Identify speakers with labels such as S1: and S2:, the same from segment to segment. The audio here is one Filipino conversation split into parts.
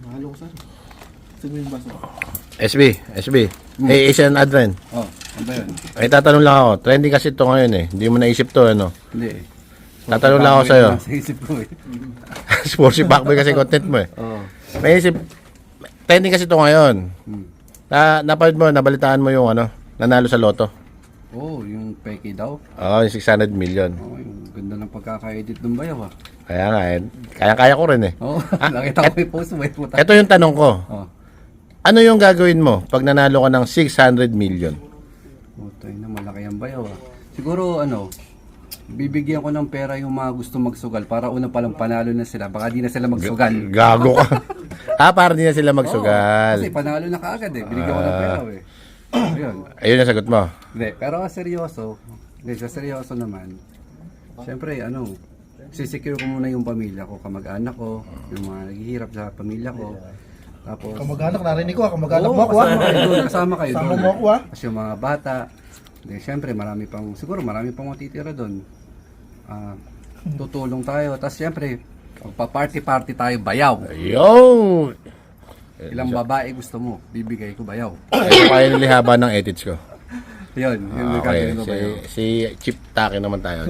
S1: Mahalo ko saan. Sige yung baso.
S2: SB. Hey, Asian Advent.
S1: Oh, ano ba yun?
S2: Ay, tatanong lang ako. Trending kasi ito ngayon eh. Hindi mo naisip to, ano?
S1: Hindi eh.
S2: Tatanong lang ako sa'yo.
S1: Sa isip ko eh.
S2: Sportsy Backboy kasi content mo eh.
S1: Oo.
S2: May isip, trending kasi ito ngayon. Napanood mo, nabalitaan mo yung ano, nanalo sa loto.
S1: Oo, yung peke daw.
S2: Oo, yung 600 million.
S1: Oo, yung ganda ng pagkaka-edit ng bayaw ah.
S2: Kaya nga eh. Kaya-kaya ko rin eh.
S1: Oo, nakita ko yung post mo. Puta.
S2: Ito yung tanong ko.
S1: Oo.
S2: Ano yung gagawin mo pag nanalo ka ng 600 million?
S1: Puta na, malaki ang bayaw ah. Siguro ano, bibigyan ko ng pera yung mga gusto magsugal para una palang panalo na sila. Baka di na sila magsugal.
S2: Gago ka. Para di na sila magsugal.
S1: Kasi panalo na kaagad eh. Binigyan ko ng pera eh. Ayun.
S2: Ayun ang sagot mo.
S1: Hindi, pero seryoso. Hindi, sa seryoso naman. Siyempre, ano, sisecure ko muna yung pamilya ko, kamag-anak ko, yung mga naghihirap sa pamilya ko. Tapos,
S3: Kamag-anak, narinig ko kamag-anak
S1: Oo,
S3: mo ako
S1: kasama kayo doon. Kasama kayo
S3: Kasama
S1: doon.
S3: mo ako, ah.
S1: Kasi yung mga bata, di, syempre marami pang, siguro marami pang matitira doon. Tutulong tayo. Tapos syempre, pa-party-party tayo, bayaw.
S2: Ayun!
S1: Ilang babae gusto mo, bibigay ko bayaw.
S2: Ito kaya nilihaba ng edits ko.
S1: Yun, yung
S2: Okay,
S1: gagawin ko bayaw.
S2: si Chip Taki naman tayo.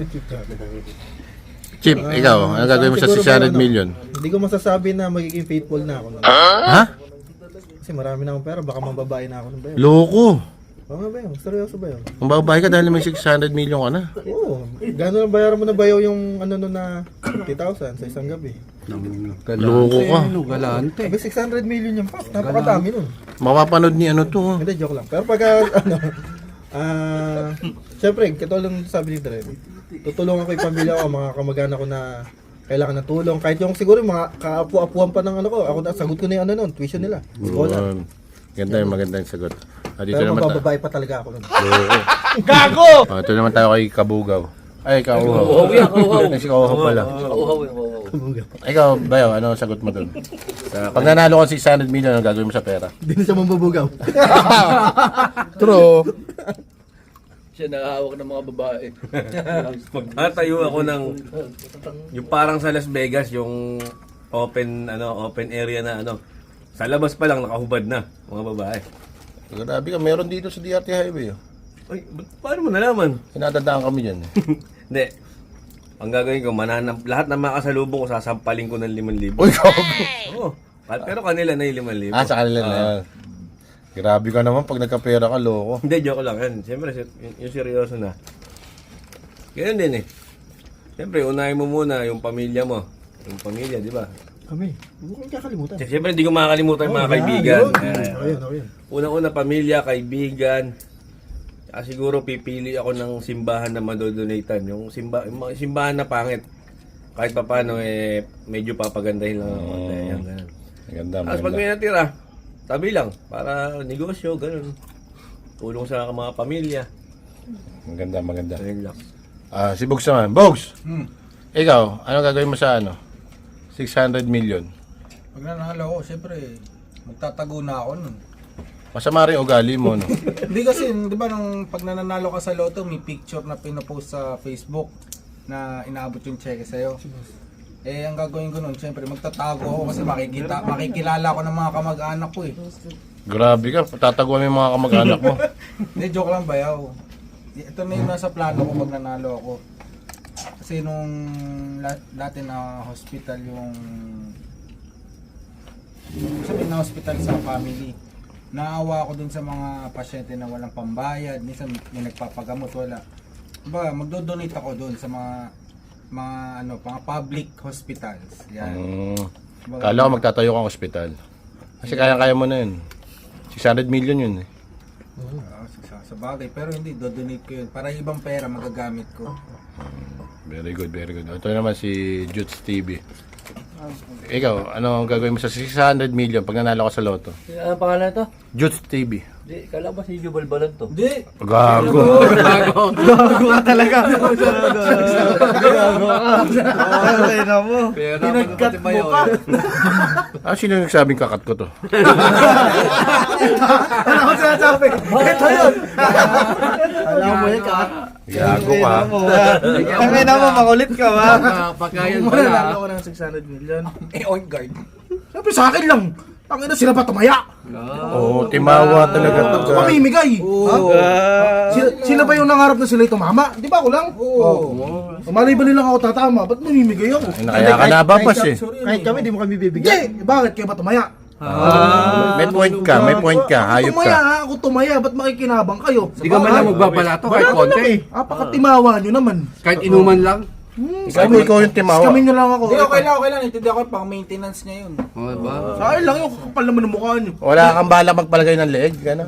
S2: Chip, ikaw, ano gagawin mo sa 600 million?
S3: Hindi ko masasabi na magiging faithful na ako.
S2: Ha?
S3: Kasi marami na akong pera, baka mababae na ako ng bayo.
S2: Loko!
S3: Oo ba yun? Seryoso ba yun?
S2: Kung babae ka dahil may 600 million ka na.
S3: Oo. Gano'n ang bayaran mo na bayo yung ano nun na 50,000 sa isang gabi?
S2: Loko ka.
S1: Galante.
S3: Sabi 600 million yung pop. Napakadami nun.
S2: Mapapanood ni ano to.
S3: Hindi, joke lang. Pero pagka, ano, syempre, katulad ng sabi ni Dre, tutulungan ko yung pamilya ko, mga kamag-anak ko na kailangan ng tulong. Kahit yung siguro yung mga kaapu-apuan pa ng ano ko, ako na, sagot ko na yung ano nun, tuition nila. Skola.
S2: Ganda yung maganda yung sagot. Dito
S3: Pero
S2: naman
S3: mabababae pa talaga ako nun.
S2: Gago! Ito naman tayo kay Kabugaw. Ay, Kauhaw.
S4: Kauhaw yan, kauhaw.
S2: Si Kauhaw pala.
S4: Kauhaw yung kauhaw.
S2: Ikaw, Bayo, ano ang sagot mo dun? Pag nanalo ka 600 million, ano gagawin mo sa pera?
S3: Hindi na siya mambabugaw.
S2: True.
S4: Siya nakahawak ng mga babae.
S5: Magtatayo ako ng yung parang sa Las Vegas, yung open area na ano. Sa labas pa lang nakahubad na mga babae.
S2: Grabe ka, meron dito sa DRT Highway. Oh.
S5: Ay, paano mo nalaman?
S2: Sinadadaan kami dyan.
S5: Hindi. Ang gagawin ko, lahat ng makasalubong ko, sasampalin ko ng 5,000.
S2: Uy, gago!
S5: Oo. Pero kanila na yung 5,000.
S2: Sa kanila na yan. Grabe ka naman pag nagkapera ka, loko.
S5: Hindi, joke lang yan. Siyempre, yung seryoso na. Ganyan din eh. Siyempre, unahin mo muna yung pamilya mo. Yung pamilya, di ba?
S3: Kami, huwag kang kakalimutan.
S5: Siyempre, hindi ko makakalimutan yung mga kaibigan.
S3: Ayun.
S5: Una-una, pamilya, kaibigan. Siguro pipili ako ng simbahan na madodonatan. Yung mga simbahan na pangit. Kahit pa paano, medyo papagandahin lang ako. Ganun.
S2: Maganda,
S5: Tapos pag may natira, tabi lang. Para negosyo, ganun. Tulong sa mga pamilya.
S2: Maganda.
S5: Ayun lang.
S2: Si Bogs naman. Bogs! Ikaw, ano gagawin mo sa ano? 600 million.
S6: Pag nanalo ko, siyempre, magtatago na ako nun.
S2: Masama rin ugali mo, no?
S6: Hindi kasi, di ba, nung pag nanalo ka sa loto, may picture na pinopost sa Facebook na inaabot yung cheque sa'yo. Ang gagawin ko nun, siyempre, magtatago ako kasi makikilala ko ng mga kamag-anak ko eh.
S2: Grabe ka, tataguan mo yung mga kamag-anak mo.
S6: Hindi, joke lang bayaw. Ito na yung nasa plano ko pag nanalo ako. Kasi nung dati na hospital yung sabi na hospital sa family, naawa ako dun sa mga pasyente na walang pambayad, minsan may nagpapagamot, wala. Ba, magdo-donate ako dun sa mga public hospitals. Yan.
S2: Kala ko magtatayo kang ospital. Kasi kaya mo na yun. 600 million yun eh.
S6: Sa bagay, pero hindi, do-donate ko yun. Para ibang pera magagamit ko.
S2: Very good. Ito naman si Juts TV. Ikaw, ano ang gagawin mo sa 600 million pag nanalo ka sa loto?
S4: Ano pangalan ito?
S2: Juts TV.
S4: Di, kala ba si Jubal Balan to?
S6: Hindi!
S2: Gago.
S3: Gago ka talaga. Gago ka. Okay na mo.
S6: Pinagkat mo pa!
S2: Sino nagsabing kakat ko to?
S3: Ano ko sinasabi? Ito yun. Alam mo yun ka.
S2: Gago ka.
S3: Tangin na mo, makulit ka ba?
S6: Pagkayan
S3: Mananalo ko ng 600 million.
S6: on guard.
S7: Siyempre sa akin lang. Tangina sila ba tumaya?
S2: Oo, timawa talaga to.
S7: Pamimigay. Ha? Sila ba yung nangarap na sila'y tumama? Di ba ako lang? Oo. Malay ba nilang ako tatama? Ba't mamimigay ako?
S2: Kaya ka nababas eh.
S3: Kahit kami, di mo kami
S7: Hindi!
S3: bibigyan.
S7: Bakit kayo ba tumaya?
S2: May point ka, may point ka. Hayop
S7: Tumaya
S2: ka.
S7: ha, ako tumaya. Ba't makikinabang kayo?
S1: Hindi ka man lang magbabalato kahit konti.
S7: Apakatimawa nyo naman.
S1: Kahit inuman lang.
S2: Ikaw yung timawa.
S7: Kami na lang ako.
S6: Hindi, okay lang. Intindi ako, pang maintenance niya yun.
S1: O, diba?
S7: Sa akin lang yung kapal naman ng mukha nyo.
S2: Wala kang bala magpalagay ng leeg, gano'n.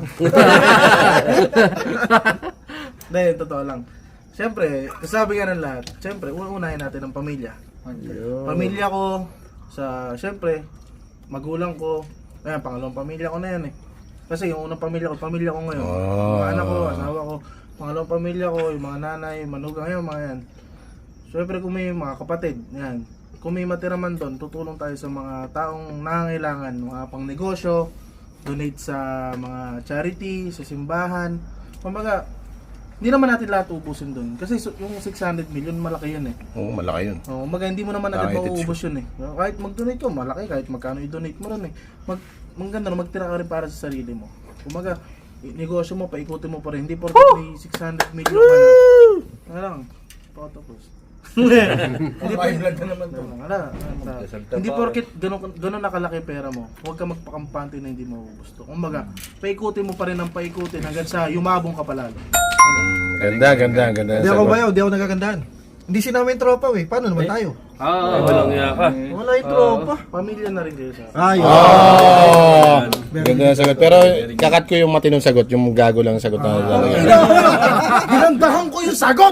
S7: Hindi, totoo lang. Siyempre, kasabi nga ng lahat, siyempre, unahin natin ang pamilya. Pamilya ko, siyempre, magulang ko, ayan, pangalawang pamilya ko na yan eh. Kasi yung unang pamilya ko ngayon. Mga anak ko, asawa ko, pangalawang pamilya ko, yung mga nanay, manugang, yung mga yan. Siyempre kung may mga kapatid, yan. Kung may matira man doon, tutulong tayo sa mga taong nangangailangan, mga pang negosyo, donate sa mga charity, sa simbahan. Kumbaga, hindi naman natin lahat ubusin doon. Kasi yung 600 million, malaki yun eh.
S2: Oo, malaki yun.
S7: Kumbaga, hindi mo naman agad
S2: Nakakitid
S7: mauubos yun eh. Kahit mag-donate ko, malaki. Kahit magkano i-donate mo rin eh. Maganda na, magtira ka rin para sa sarili mo. Kumbaga, negosyo mo, paikutin mo pa rin. Hindi porket may 600 million ka na. Nga lang, pakatapos. Hindi pa blood na naman to. Hindi porket ganun nakalaki pera mo, huwag ka magpakampante na hindi mo gusto. Kumbaga, paikutin mo pa rin ang paikutin hanggang sa yumabong ka palalo.
S2: Ganda.
S3: Hindi ako bayaw, hindi ako nagagandahan. Hindi sinama yung tropa eh. Paano naman tayo?
S5: Walang iya ka.
S7: Wala yung tropa. Pamilya na rin kayo sa akin.
S3: Ayun.
S2: Oh! Ganda na sagot. Pero kakat ko yung matinong sagot, yung gago lang sagot na lalagay.
S7: Ginandahan ko yung sagot!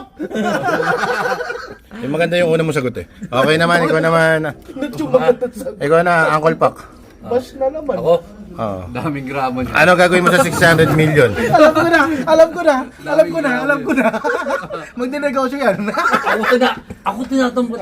S2: Yung maganda yung una mong sagot eh. Okay naman, ikaw naman. Ikaw na, Uncle Pac.
S7: Bash na naman.
S4: Ako,
S2: Oo.
S1: Daming gramo niya.
S2: Ano gagawin mo sa 600 million?
S7: Alam ko na. Magdinegosyo yan.
S4: ako tinatampot.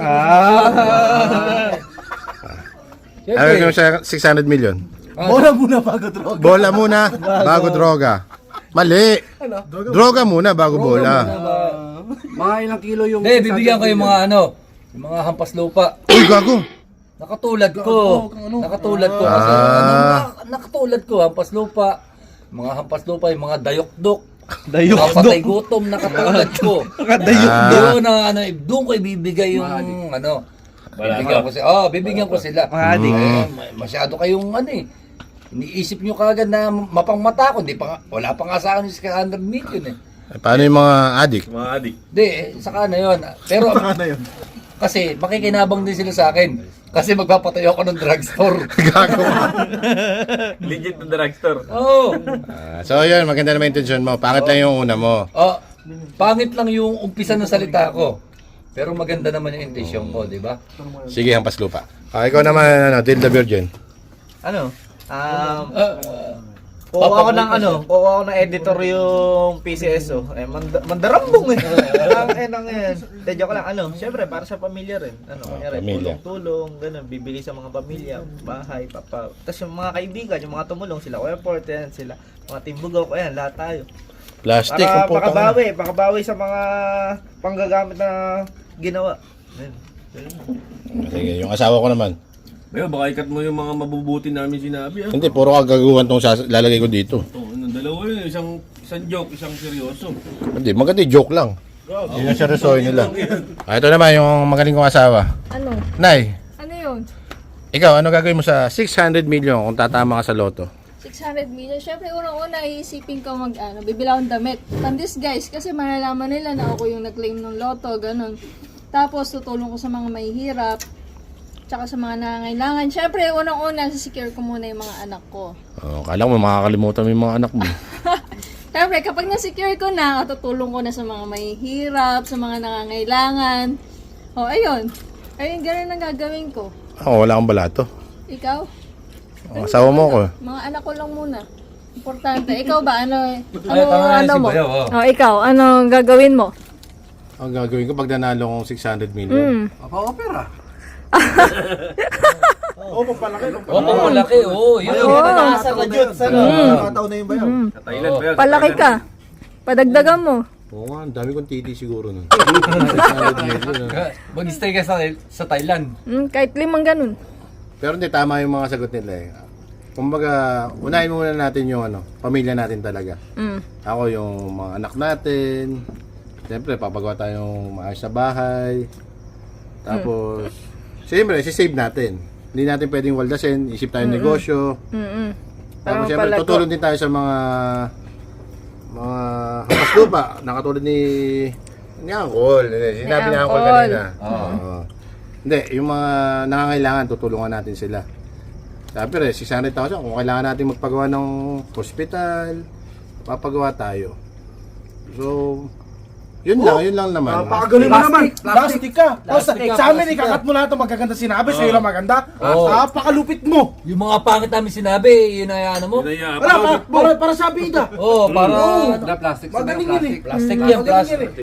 S2: Ano gagawin mo sa 600 million?
S7: Bola muna bago droga.
S2: Bola muna, bago droga. Mali. Droga muna, bago bola.
S1: Mga ilang kilo yung...
S4: Hindi, bibigyan ko yung mga yung mga hampas lupa.
S2: Uy, gago.
S4: Nakatulad ko. Kasi, nakatulad ko, hampas lupa. Mga hampas lupa, yung mga dayok-dok. Mga patay gutom, nakatulad ko. Doon na, doon ko ibibigay yung, bibigyan ko sila. Masyado kayong, iniisip nyo kagad na mapangmata ko. Wala pa nga sa akin yung 100 million eh.
S2: Paano yung mga adik?
S5: Mga adik.
S4: Hindi, saka na yun. Pero, kasi makikinabang din sila sa akin. Kasi magpapatayo ako ng drugstore.
S2: Gago.
S5: Legit na drugstore.
S4: Oo.
S2: So yun, maganda naman intensyon mo. Pangit lang yung una mo.
S4: Pangit lang yung umpisa ng salita ko. Pero maganda naman yung intensyon ko, di ba?
S2: Sige, hampas lupa. Ikaw naman, Tilda Virgin.
S8: Kuha ako ng editor yung PCSO. Mandarambong eh. Ang yan. De, joke lang, syempre para sa pamilya rin. Kunyari,
S2: Pamilya.
S8: tulong, ganun, bibili sa mga pamilya, bahay, papa. Tapos yung mga kaibigan, yung mga tumulong sila, Kuya Port, yan sila. Mga Timbugaw ko yan, lahat tayo.
S2: Plastic.
S8: Para makabawi sa mga panggagamit na ginawa.
S2: Sige, yung asawa ko naman.
S5: Ayun, baka ikat mo yung mga mabubuti namin sinabi.
S2: Hindi, puro kagaguhan tong lalagay ko dito.
S5: Dalawa yun, isang joke, isang seryoso.
S2: Hindi, maganda yung joke lang. Yun yung seryosoy nila. Ito naman, yung magaling kong asawa.
S9: Ano?
S2: Nay,
S9: Ano yun?
S2: ikaw, ano gagawin mo sa 600 million kung tatama ka sa loto?
S9: 600 million. Siyempre, unang-una, iisipin ko bibili akong damit. Pandis guys, kasi malalaman nila na ako yung nag-claim ng loto, ganun. Tapos, tutulong ko sa mga mahihirap, tsaka sa mga nangangailangan. Siyempre, unang-una, sisecure ko muna yung mga anak ko.
S2: Kala mo makakalimutan mo yung mga anak mo.
S9: Siyempre, kapag na-secure ko na, tutulong ko na sa mga mahihirap, sa mga nangangailangan. Ayun. Ayun, ganun ang gagawin ko.
S2: Wala kang balato.
S9: Ikaw?
S2: Asawa mo ko.
S9: Mga anak ko lang muna. Importante. Ikaw ba? Ano
S4: si
S9: mo?
S4: Bayaw,
S9: Ikaw, ano gagawin mo?
S2: Ang gagawin ko pag nanalo kong 600 million.
S1: Opera.
S4: Malaki. Yun.
S8: Nasa ka dyan.
S3: Nakataon na yung bayaw.
S5: Sa Thailand ba yun?
S9: Palaki ka. Padagdagan mo.
S2: Oo nga, ang dami kong titi siguro nun. 600 million.
S4: Mag-stay ka sa Thailand.
S9: Kahit 5 ganun.
S2: Pero hindi, tama yung mga sagot nila eh. Kumbaga, unahin muna natin yung pamilya natin talaga. Ako yung mga anak natin. Siyempre, papagawa tayong maayos na bahay. Tapos, siyempre, sisave natin. Hindi natin pwedeng waldasin, isip tayong negosyo. Tapos, siyempre, tutulong din tayo sa mga hampas lupa. Nakatulad ni Uncle. Sinabi ni Uncle kanina. Oo. Hindi, yung mga nangangailangan, tutulungan natin sila. Sabi rin, 600,000, kung kailangan natin magpagawa ng hospital, papagawa tayo. So, yun lang naman.
S7: Napakagaling mo naman. Plastic ka. Basta sa amin, ikakat mo lahat ng magaganda sinabi. Sa'yo lang maganda. Napakalupit mo.
S4: Yung mga pangit namin sinabi, yun ay ano mo?
S7: Wala, para sa bida.
S4: Oo, para
S1: Na plastic sila,
S7: Magaling yun eh.
S4: plastic yan, plastic.